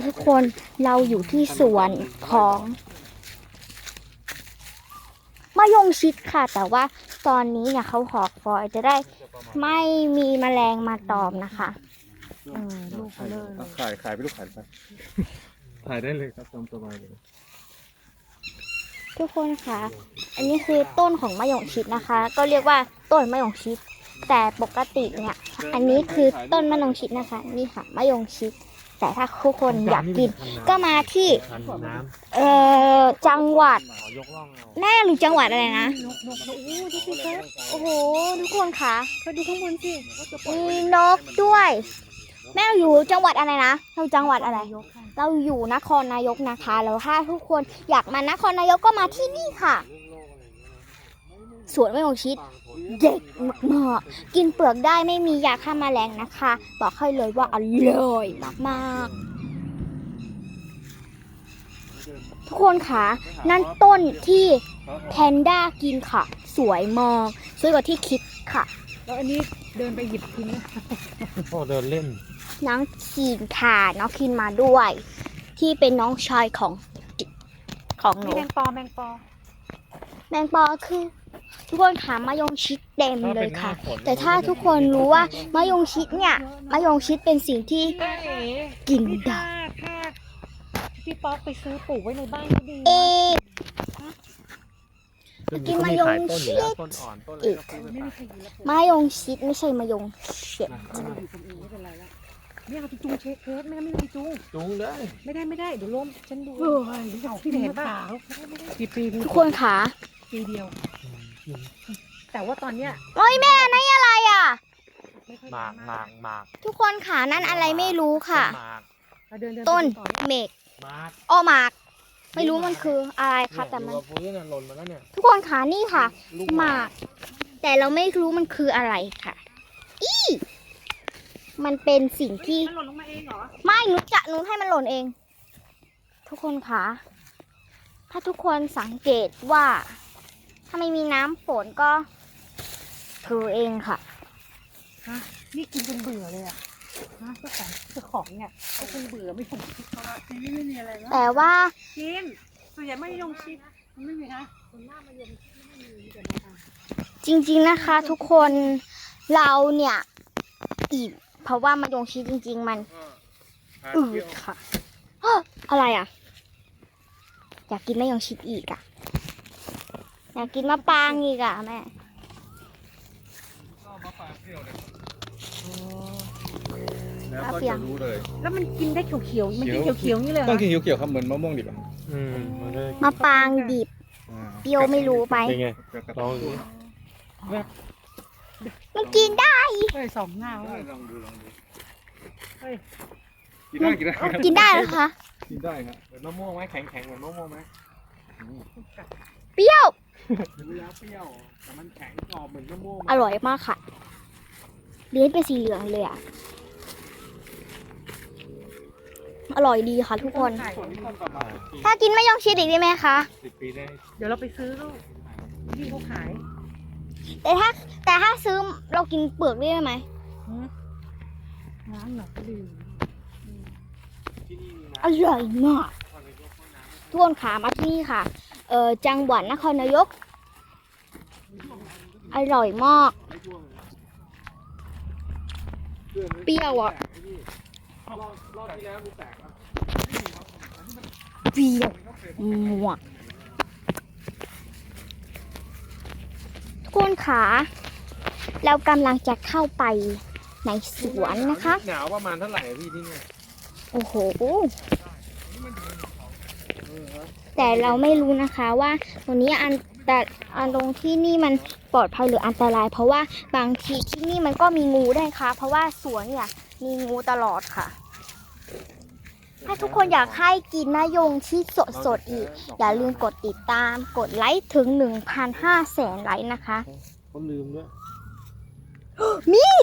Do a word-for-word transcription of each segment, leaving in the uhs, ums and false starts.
ทุกคนเราอยู่ที่สวนของมะยงชิดค่ะแต่ว่าตอนนี้เนี่ยเขาหอกฟอยจะได้ไม่มีแมลงมาตอมนะคะเออลูกเลยขายขายไปลูกขายไปขายได้เลยครับตามสบายเลยทุกคนคะอันนี้คือต้นของมะยงชิดนะคะ ก็เรียกว่าต้นมะยงชิดแต่ปกติเนี่ยอันนี้คือต้นมะยงชิดนะคะนี่ค่ะมะยงชิดแต่ถ้าทุกคนอยากกินก็มาที่เอ่อจังหวัดแม่หรือจังหวัดอะไรนะโอ้โหทุกคนคะไปดูข้างบนสิมีนกด้วยแม่เราอยู่จังหวัดอะไรนะเราจังหวัดอะไรเราอยู่นครนายกนะคะแล้วถ้าทุกคนอยากมานครนายกก็มาที่นี่ค่ะสวนมะยงชิดเด็กมากๆกินเปลือกได้ไม่มียาฆ่าแมลงนะคะบอกให้เลยว่าอร่อยมากๆทุกคนคะนั่นต้นที่แพนด้ากินค่ะสวยมากสวยกว่าที่คิดค่ะแล้วอันนี้เดินไปหยิบทิ้งนะพ่อเดินเล่นน้องคีนค่ะน้องคีนมาด้วยที่เป็นน้องชายของของหนูแมงปอแมงปอแมงปอคือทุกคนขามะยงชิดเต็มเลยค่ะแต่ถ้าทุกคนรู้ว่ามะยงชิดเนี่ยมะยงชิดเป็นสิ่งที่กินได้ถ้าพี่ป๊อกไปซื้อปลูกไว้ในบ้านก็ดีเอ๊กินมะยงชิดอีกมะยงชิดไม่ใช่มะยงชิดไม่เอาจุงเช็คเคิร์ดไม่ไม่ไม่จุงจุงได้ไม่ได้ไม่ได้เดี๋ยวล้มฉันดูพี่เห็นป่ะปีปีทุกคนขาปีเดียวแต่ว่าตอนเนี้ยโอ้ยแม่นั่นอะไรอ่ะหมากหมากหมากทุกคนขานั่นอะไรไม่รู้ค่ะต้นเมกอ้อหมากไม่รู้มันคืออะไรค่ะแต่มันทุกคนขานี่ค่ะหมากแต่เราไม่รู้มันคืออะไรค่ะอีมันเป็นสิ่งที่มันหล่นลงมาเองเหรอไม่หนูจะหนูให้มันหล่นเองทุกคนคะถ้าทุกคนสังเกตว่าถ้าไม่มีน้ำฝนก็คือเองค่ะฮะนี่กินจนเบื่อเลยอ่ะฮะเจ้าของเจ้าของเนี่ยเขาคงเบื่อไม่ถูกเขาละทีนี้ไม่มีอะไรแล้วแต่ว่ากินส่วนใหญ่ไม่ยงชิดมันไม่มีนะส่วนมากมายงชิดไม่มีแต่นะคะจริงๆนะคะทุกคนเราเนี่ยอิ่มเพราะว่ามายงชิดจริงๆมันอืดค่ะอะไรอ่ะอยากกินมายงชิดอีกอ่ะอยากกินมะปรางอีกอ่ะแม่แล้วก็จะรู้เลยแล้วมันกินได้เขียวๆมันกินเขียวๆนี่เลยต้องกินเขียวๆครับเหมือนมะม่วงดิบอ่ะมะปรางดิบเปรี้ยวไม่รู้ไปลองดูมันกินได้เฮ้ยสองเงาลองดูลองดูเฮ้ยกินได้กินได้กินได้เหรอคะกินได้ครับเหมือนมะม่วงไหมแข็งแข็งเหมือนมะม่วงไหมเปรี้ยวรู้แล้วเปรี้ยวแต่มันแข็งกรอบเหมือนมะม่วงอร่อยมากค่ะเลี้ยงเป็นสีเหลืองเลยอ่ะอร่อยดีค่ะทุกคนถ้ากินไม่ยองชิดอีกได้ไหมคะเดี๋ยวเราไปซื้อลูกที่เขาขายแต่ถ้าแต่ถ้าซื้อเรากินเปลือกได้ไหมร้านหนอกดีอร่อยมากทุกคนขามาที่นี่ค่ะเออจังหวัดนครนายกอร่อยมากเปรี้ยวอ่ะเปรี้ยวหมวกทุกคนขาเรากำลังจะเข้าไปในสวนนะคะหนาวประมาณเท่าไหร่พี่ที่นี่โอ้โหแต่เราไม่รู้นะคะว่าตรงนี้อันแต่อันตรงที่นี่มันปลอดภัยหรืออันตรายเพราะว่าบางทีที่นี่มันก็มีงูได้ค่ะเพราะว่าสวนเนี่ยมีงูตลอดค่ะถ้าทุกคนอยากให้กินมะยงชิดสดๆอีกอย่าลืมกดติดตามกดไลค์ถึง หนึ่งพันห้าร้อย แสนไลค์นะคะเขาลืมด้วยมีด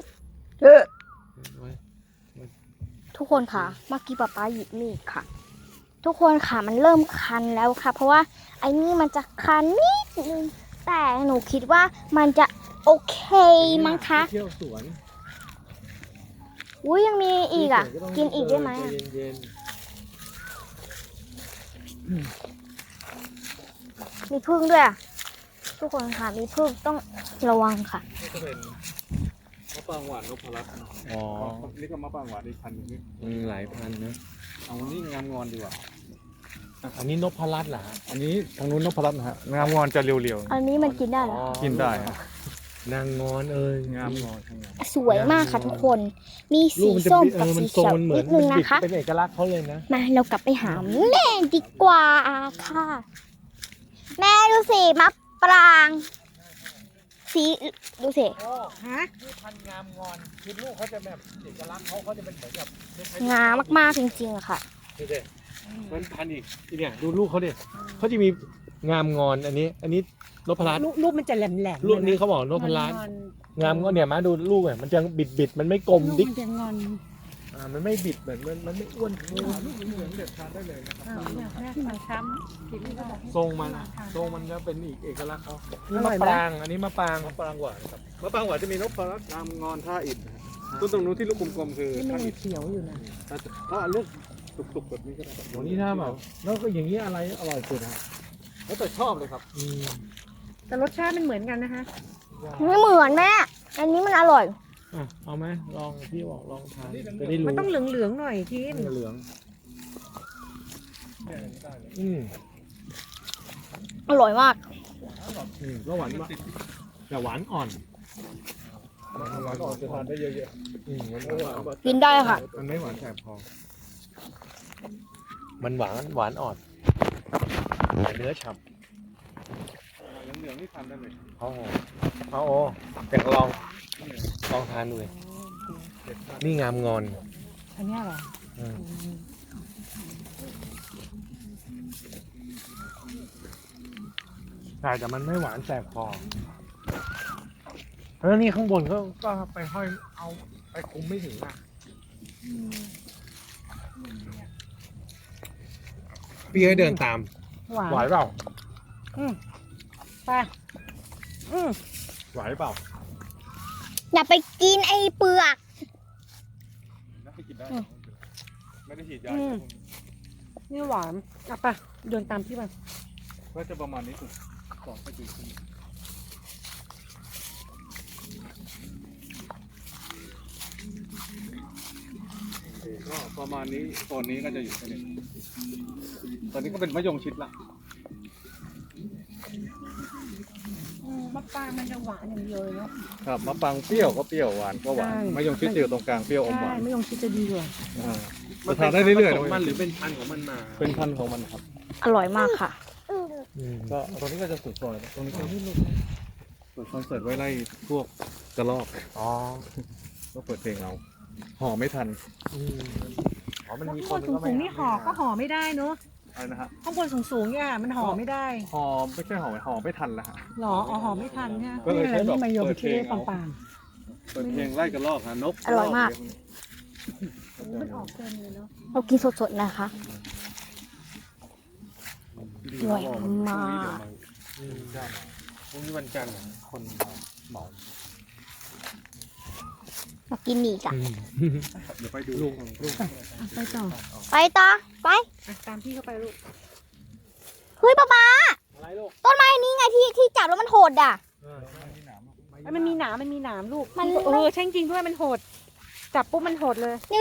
ทุกคนค่ะเมื่อกี้ป๊าป๊าหยิบมีดค่ะทุกคนค่ะมันเริ่มคันแล้วค่ะเพราะว่าไอ้นี่มันจะคันนิดนึงแต่หนูคิดว่ามันจะโอเคมั้งคะเที่ยวสวนอุ้ยยังมีอีกอ่ะกินอีกได้ไหมมีผึ้งด้วยอะทุกคนค่ะมีผึ้งต้องระวังค่ะนี่ก็เป็นมะปรางหวานนพรัตน์อ๋อนี่ก็มะปรางหวานอีกพันหนึงนี่มันหลายพันนะเอานี่งามงอนดีกว่าอันนี้นพรัตน์เหรอฮะอันนี้ทางนู้นนพรัตน์นะฮะงามงอนจะเรียวอันนี้มันกินได้เหรอๆกินได้ฮะนางงอนเอ้ยงามงอนทั้งนั้นสวยมากค่ะทุกคน มีลูสีกมันจะส้มบิดเอกับอมัสีนทรงเขียวมันเหมืนิอนดนึงมันบิดนะคะเป็นเอกลักษณ์เขาเลยนะมาเรากลับไปหาแม่ดีกว่าค่ะ แม่ดูสิมะปราง สีดูสิฮะนี่พันงามงอนคือลูกเขาจะแบบเอกลักษณ์เขาเขาจะเป็นเหมือนแบบงามมากๆจริงๆอะค่ะดูดิมันพันอีกทีเนี่ยดูลูกเขาดิเขาจะมีงามงอนอันนี้ อันนี้นพรัตน์ลูกลูกมันจะแหลมแหลมลูกนี้เขาบอกนพรัตน์งามงอนเนี่ยมาดูลูกเนี่ยมันจะบิดบิดๆมันไม่กลมลูกดิ๊กมันจะงอนอ่ามันไม่บิดเหมือนมันมันไม่อ้วนลูกเหลืองเด็ดทานได้เลยนะครับอ้าวเนี่ยแม่ที่มันช้ำกินไม่ได้ทรงมันทรงมันจะเป็นอีกเอกลักษณ์เขาอนี่ร่มะอยไหมปรางอันนี้มะปรางมะปรางหวานครับมะปรางหวานจะมีนพรัตน์งามงอนท่าอิฐนะฮะต้นตรงนู้นที่ลูกกลมๆคือนี่มัท่าน อิยังฐเขียวอยู่นะถ้าลูกตุกๆแบบนี้ก็ได้โหนี่ถ้าแบบแล้วก็อย่างนี้อะไรอร่อยสุดฮะแล้วแต่ชอบเลยครับอืมแต่รสชาติมันเหมือนกันนะคะไม่เหมือนแม่ อันนี้มันอร่อยอ่ะเอาไหมลองพี่บอกลองทานจะได้รู้มันต้องเหลืองๆหน่อยทีมเหลืองอืมอร่อยมากอืมก็หวานมากแต่หวานอ่อนหวานอ่อนจะทานได้เยอะอืมมันๆหวานกินได้ค่ะมันไม่หวานแสบคอมันหวานหวานอ่อนแต่เนื้อฉ่เหลืองๆนี่ทานได้เลยำเอาเอาโอ้แต่ลองลองทานดูเลยนี่งามงอนอันเนี้ยเหรออืมใช่แต่มันไม่หวานแสบคอแล้วนี่ข้างบนก็ก็ไปห้อยเอาไปคุมไม่ถึงอ่ะพี่ให้เดินตามหวานไหวเปล่าอืมไปอืมไหวเปล่าอย่าไปกินไอ้เปลือกน่าจะกินได้อืมไม่ได้ฉีดยานี่หวานอ่ะไปเดินตามพี่ไปก็จะประมาณนี้สุดสองไปกี่คืนก็ประมาณนี้โซนนี้ก็จะอยู่แค่นี้ตอนนี้ก็เป็นมะยงชิดละอืมมะปรางมันจะหวานอย่างเดียวเลยเนาะครับมะปรางเปรี้ยวก็เปรี้ยวหวานก็หวานใช่มะยงชิดจะอยู่ตรงกลางเปรี้ยวอมหใช่วานไม่ยงชิดจะดีกว่าอ่าจะทานได้เรื่อยๆของมันนะหรือเป็นพันธุ์ของมันมาเป็นพันธุ์ของมันครับอร่อยมากค่ะก็ตรงนี้ก็จะสุดซอยแล้วตรงนี้ก็เปิดคอนเสิร์ตไว้ไล่พวกกระรอกอ๋อก็เปิดเพลงเอาห่อไม่ทันอืมอ๋อมันแล้วมีข้างคบนนสูงๆนี่ห่อก็ห่อไม่ได้เนาะอะไรนะฮะข้างบนสูงๆเนี่ยมันห่อไม่ได้ห่อไม่ใช่ห่อห่อไม่ทันละฮะหรออ๋อห่อไม่ทันเนี่ยก็เลยใช้แบบนี่มายมเปิดเพลชิงปัเอางปังเปิดเพลงไล่กระรอกฮะนกอร่อยมากๆมันออกเต็มเลยเนาะเรากินสดๆนะคะ อร่อยมากอืมได้พรุ่งนี้วันจันทร์เหรอคนเหมามากินอีกอ่ะเดี๋ยวไปดูลูกลูกอ่ะไปต่อไปต่อ ไปอ่ะตามพี่เข้าไปลูกเฮ้ยป๊าป๊าอะไรลูกต้นไม้นี้ไงที่ที่จับแล้วมันโหดอ่ะเออเอ้ยมันมีหนามมันมีหนามลูกมันเออใช่จริงๆด้วยมันโหด จับปุ๊บมันโหดเลย